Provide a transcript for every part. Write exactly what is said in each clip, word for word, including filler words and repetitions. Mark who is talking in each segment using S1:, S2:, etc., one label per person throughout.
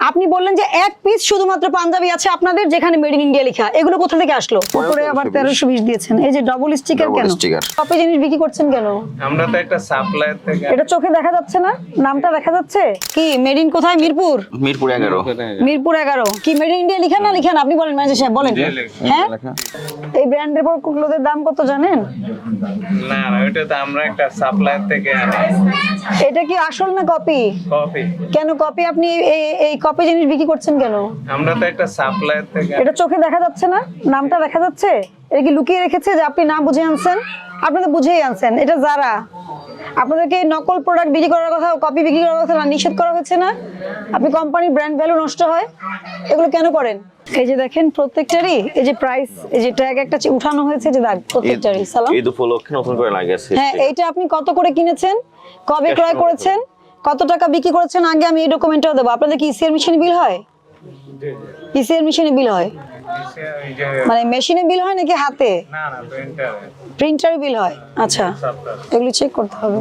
S1: আপনি বললেন যে এক পিস শুধুমাত্র পাঞ্জাবি আছে আপনাদের যেখানে মেড ইন ইন্ডিয়া লেখা, এগুলো কোথা থেকে আসলো? উপরে আবার তেরোশো বিশ দিয়েছেন, এই যে ডবল স্টিকার কেন? কপি জিনিস বিক্রি করছেন কেন?
S2: আমরা তো একটা সাপ্লায়ার থেকে।
S1: এটা চোখে দেখা যাচ্ছে না, নামটা দেখা যাচ্ছে কি? মেড ইন কোথায়? মিরপুর।
S3: মিরপুর এগারো।
S1: মিরপুর এগারো কি মেড ইন ইন্ডিয়া লিখা না লিখা? আপনি বলেন ম্যানেজার সাহেব, বলেন। হ্যাঁ, এই ব্র্যান্ডের পর ক্লোথের দাম কত জানেন?
S2: না না, ওটা তো আমরা একটা সাপ্লায়ার থেকে আনি।
S1: এটা কি আসল না কপি?
S2: কপি।
S1: কেন কপি? আপনি এই এই কপি জিনিস বিক্রি করছেন কেন?
S2: আমরা তো একটা সাপ্লায়ার থেকে।
S1: এটা চোখে দেখা যাচ্ছে না, নামটা দেখা যাচ্ছে? এটা কি লুকিয়ে রেখেছে যে আপনি না বুঝে আনছেন? আপনি তো বুঝেই আনছেন। এটা যারা আপনাদেরকে নকল প্রোডাক্ট বিক্রি করার কথা, কপি বিক্রি করার কথা না নিষেধ করা হচ্ছে না? আপনি কোম্পানির ব্র্যান্ড ভ্যালু নষ্ট হয়, এগুলো কেন করেন? এই যে দেখেন প্রত্যেকটারই এই যে প্রাইস, এই যে ট্যাগ একটা উঠানো হয়েছে, যে দাগ প্রত্যেকটারই। সালাম,
S3: ঈদ উপলক্ষে নতুন করে লাগিয়েছে।
S1: হ্যাঁ, এইটা আপনি কত করে কিনেছেন, কবে ক্রয় করেছেন, কত টাকা বিক্রি করেছেন, আগে আমি এই ডকুমেন্টটাও দেবো। আপনাদের কি ইসিআর মেশিনে বিল হয়? ইসিআর মেশিনে বিল হয় মানে মেশিনে বিল হয় নাকি হাতে?
S2: না না, প্রিন্টার।
S1: প্রিন্টারে বিল হয়। আচ্ছা, এগুলো চেক করতে হবে।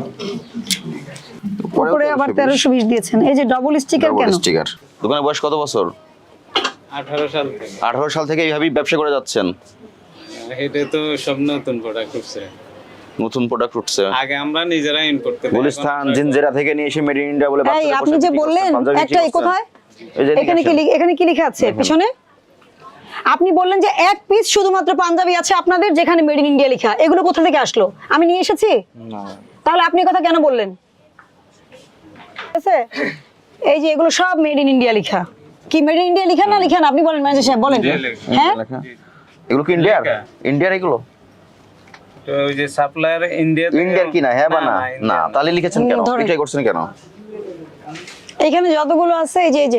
S1: উপরে আবার তেরোশো বিশ দিয়েছেন, এই যে ডবল স্টিকার কেন?
S3: স্টিকার। দোকানের বয়স কত বছর?
S2: আঠারো সাল থেকে।
S3: আঠারো সাল থেকে এইভাবেই ব্যবসা করে যাচ্ছেন?
S2: এটা তো সব নতুন প্রোডাক্ট উঠছে।
S3: নতুন প্রোডাক্ট উঠছে।
S2: আগে আমরা নিজেরা ইম্পোর্ট করতে।
S3: গুলিস্তান জিনজেরা থেকে নিয়ে এসে মেড ইন ইন্ডিয়া বলে
S1: এই আপনি যে বললেন একটা, এই কোথায়? এখানে কি এখানে কি লেখা আছে পিছনে? আপনি বললেন যে এক পিস শুধুমাত্র পাঞ্জাবি আছে আপনাদের যেখানে মেড ইন ইন্ডিয়া লেখা, এগুলো কোথা থেকে আসলো? আমি নিয়ে এসেছি?
S3: না।
S1: তাহলে আপনি কথা কেন বললেন? ঠিক আছে, এই যে এগুলো সব মেড ইন ইন্ডিয়া লেখা। কি মেড ইন ইন্ডিয়া লেখা না লেখা? আপনি বলেন ম্যানেজার সাহেব, বলেন। হ্যাঁ,
S3: এগুলো কি ইন্ডিয়ার? ইন্ডিয়ার এগুলো?
S2: তো ওই যে সাপ্লায়ার ইন্ডিয়া।
S3: ইন্ডিয়ার কি না? হ্যাঁ বা না? না, তাহলে লিখেছেন কেন? এটাই করছেন কেন?
S1: এখানে যতগুলো আছে এই যে এই যে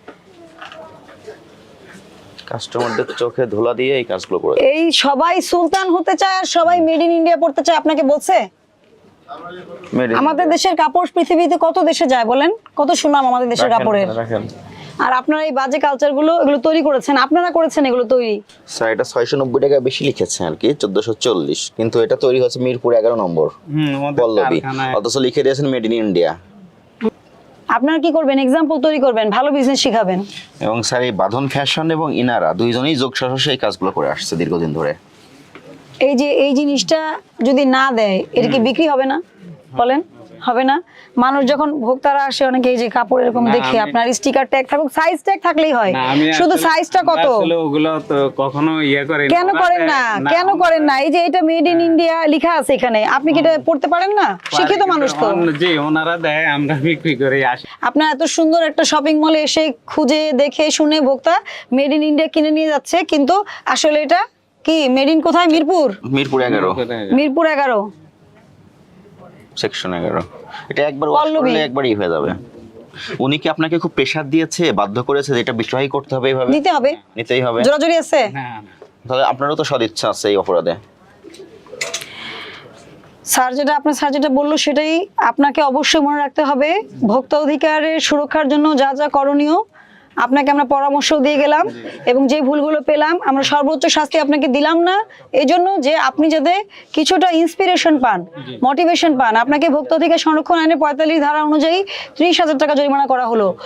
S3: কাস্টমারদের চোখে ধুলা দিয়ে এই কাজগুলো করে।
S1: এই সবাই সুলতান হতে চায় আর সবাই মেড ইন ইন্ডিয়া পড়তে চায়। আপনাকে বলছে? আমাদের দেশের কাপড় পৃথিবীতে কত দেশে যায় বলেন? কত সুনাম আমাদের দেশের কাপড়ের। আর আপনারা এই বাজে কালচার গুলো এগুলো তৈরি করেছেন, আপনারা করেছেন এগুলো তৈরি।
S3: স্যার, এটা ছয়শো নব্বই টাকা বেশি লিখেছে আর কি, চোদ্দশো চল্লিশ, কিন্তু এটা তৈরি হচ্ছে মিরপুর এগারো নম্বর পল্লবী, অথচ লিখে দিয়েছেন মেড ইন ইন্ডিয়া।
S1: আপনারা কি করবেন? এক্সাম্পল তৈরি করবেন, ভালো বিজনেস শিখাবেন।
S3: এবং স্যার, এই বাঁধন ফ্যাশন এবং ইনারা দুইজনেই যোগ সহসে এই কাজগুলো করে আসছে দীর্ঘদিন ধরে।
S1: এই যে এই জিনিসটা যদি না দেয়, এটা কি বিক্রি হবে না? বলেন, হবে না? মানুষ যখন ভোক্তারা আসে, অনেকে এই যে কাপড় এরকম দেখে, আপনার স্টিকার ট্যাগ থাকুক, সাইজ ট্যাগ থাকলেই হয়, শুধু সাইজটা কত?
S2: আসলে ওগুলো তো কখনো ইয়া করে
S1: কেন করেন না? কেন করেন না? এই যে এটা মেড ইন ইন্ডিয়া লেখা আছে এখানে, আপনি কি এটা পড়তে পারেন না? শিক্ষিত মানুষ তো।
S2: জি, ওনারা দেয়, আমরা বিক্রি করে আসি।
S1: আপনার এত সুন্দর একটা শপিং মলে এসে খুঁজে দেখে শুনে ভোক্তা মেড ইন ইন্ডিয়া কিনে নিয়ে যাচ্ছে, কিন্তু আসলে এটা কি মেড ইন কোথায়? মিরপুর।
S3: মিরপুর এগারো।
S1: মিরপুর এগারো
S3: সেকশন এগারো। এটা একবার ওয়াশ করলে একবারই হয়ে যাবে। উনি কি আপনাকে খুব প্রেসার দিয়েছে, বাধ্য করেছে যে এটা বিক্রয় করতে হবে, এইভাবে
S1: নিতে হবে,
S3: নিতেই হবে?
S1: জোরাজোরি আছে?
S2: না না,
S3: তাহলে আপনারও তো সদিচ্ছা আছে এই অপরাধে।
S1: স্যার যেটা আপনার স্যার যেটা বললো সেটাই আপনাকে অবশ্যই মনে রাখতে হবে। ভোক্তা অধিকারের সুরক্ষার জন্য যা যা করণীয় আপনাকে আমরা পরামর্শ দিয়ে গেলাম, এবং যে ভুলগুলো পেলাম আমরা সর্বোচ্চ শাস্তি আপনাকে দিলাম না, এই জন্য যে আপনি যাতে কিছুটা ইন্সপিরেশন পান, মোটিভেশন পান। আপনাকে ভোক্তা অধিকার সংরক্ষণ আইনের পঁয়তাল্লিশ ধারা অনুযায়ী ত্রিশ হাজার টাকা জরিমানা করা হলো।